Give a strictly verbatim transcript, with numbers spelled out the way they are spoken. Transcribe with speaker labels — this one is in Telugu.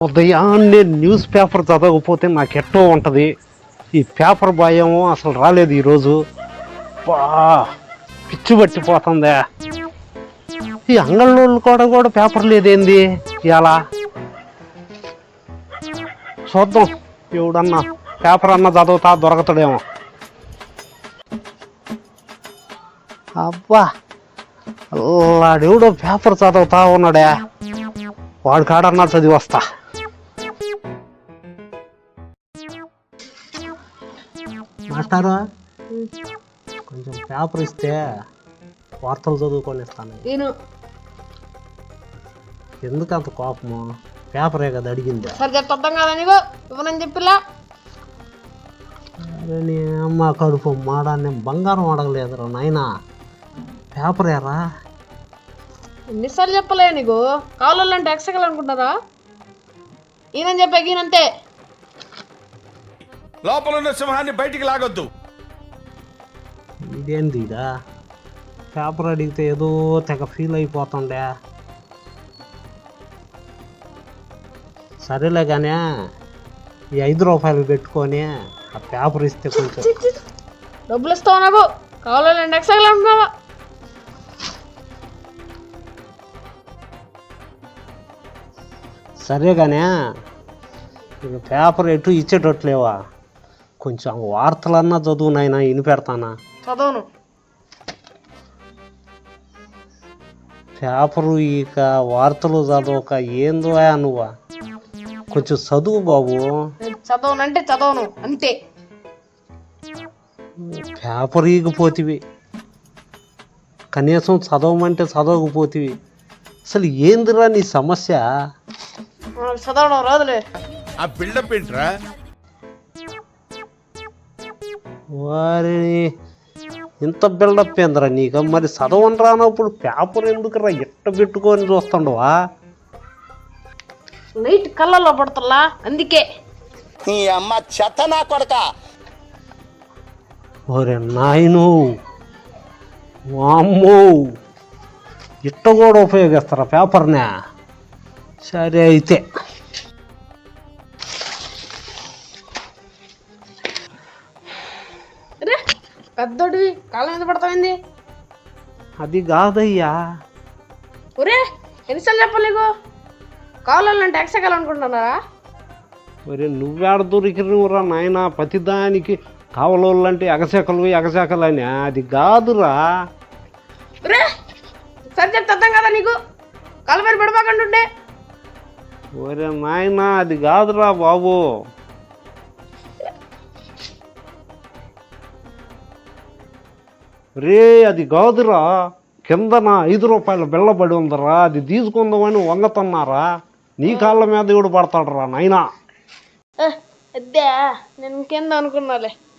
Speaker 1: ఉదయాన్నే న్యూస్ పేపర్ చదవకపోతే నాకు ఎట్టో ఉంటుంది. ఈ పేపర్ భయం అసలు రాలేదు ఈరోజు. బా పిచ్చి పట్టిపోతుందా. ఈ అంగళ్ళోళ్ళు కూడా కూడా పేపర్ లేదేంది ఇలా. చూద్దాం ఎవడన్నా పేపర్ అన్నా చదువుతా దొరకతాడేమో. అబ్బా వాడెవడో పేపర్ చదువుతా ఉన్నాడే, వాడి కాడన్నా చదివి వస్తా. మాస్టారు కొంచెం పేపర్ ఇస్తే వార్తలు చదువుకొని ఇస్తాను. ఎందుకు అంత కోపము? పేపరే కదా అడిగింది.
Speaker 2: సరే చెప్తాం కదా నీకు ఇవ్వనని చెప్పిలా.
Speaker 1: అరే నీ అమ్మ కడుపు మాడా, నేను బంగారం అడగలేదురా నాయనా, పేపరేరా.
Speaker 2: ఎన్నిసార్లు చెప్పలే నీకు? కావాలంటే ఎక్సగలు అనుకుంటారా? ఈయనని చెప్పాక ఈయనంతే.
Speaker 3: లోపల ఉన్న సింహాన్ని బయటికి లాగొద్దు.
Speaker 1: ఇదేంది ఇదా? పేపర్ అడిగితే ఏదో తెగ ఫీల్ అయిపోతుండే. సరేలే కానీ ఈ ఐదు రూపాయలు పెట్టుకొని ఆ పేపర్ ఇస్తే కొంచెం.
Speaker 2: డబ్బులు ఇస్తావు నాకు? కావాలంటే ఎక్సగలు అనుకున్నావా?
Speaker 1: సరే కానీ ఇక పేపర్ ఎటు ఇచ్చేటట్లేవా? కొంచెం వార్తలన్నా చదువు నాయనా, ఇని పెడతానా.
Speaker 2: చదవను
Speaker 1: పేపరు ఇక వార్తలు చదవక ఏందో నువ్వా, కొంచెం చదువు బాబు.
Speaker 2: చదవనంటే చదవను అంతే.
Speaker 1: పేపర్ ఈగిపోతివి, కనీసం చదవమంటే చదవకపోతివి. అసలు ఏందిరా నీ సమస్య?
Speaker 2: చదవడం రాదులే.
Speaker 3: ఆ బిల్డప్ ఏంట్రా?
Speaker 1: వారిని ఇంత బిల్డప్ ఏందిరా నీకు? మరి చదవని రానప్పుడు పేపర్ ఎందుకురా ఎట్ట పెట్టుకొని చూస్తుండవా?
Speaker 2: లైట్ కళ్ళల్లో పడుతులా అందుకే.
Speaker 4: నీ అమ్మ చెత్త నా కొడక.
Speaker 1: ఒరే నాయను, వామ్మో, ఇట్ట కూడా ఉపయోగిస్తారా పేపర్నే? సరే అయితే
Speaker 2: పెద్దోడివి కాళ్ళ మీద పడతాయింది.
Speaker 1: అది కాదయ్యా.
Speaker 2: ఒరే ఎన్నిసార్లు చెప్పాలి నీకు? కావాలంటే ఎక్సగలు అనుకుంటున్నారా?
Speaker 1: మరి నువ్వేడ దొరికినవురా నాయన? ప్రతిదానికి కావలోళ్ళంటే ఎగశాకలు ఎగశాకలు అని. అది కాదురా.
Speaker 2: ఒరే సరే చెప్తే అర్థం కదా నీకు? కాళ్ళ మీద పడిపోకంటుండే.
Speaker 1: ఒరే నాయన అది కాదురా బాబు. రే అది కాదురా, కిందన ఐదు రూపాయల బిళ్ళబడి ఉందరా, అది తీసుకుందామని వంగతున్నారా. నీ కాళ్ళ మీద ఎవడు పడతాడు రా నాయనా?
Speaker 2: అద్దా నేను ఇంకేందో అనుకున్నాలే.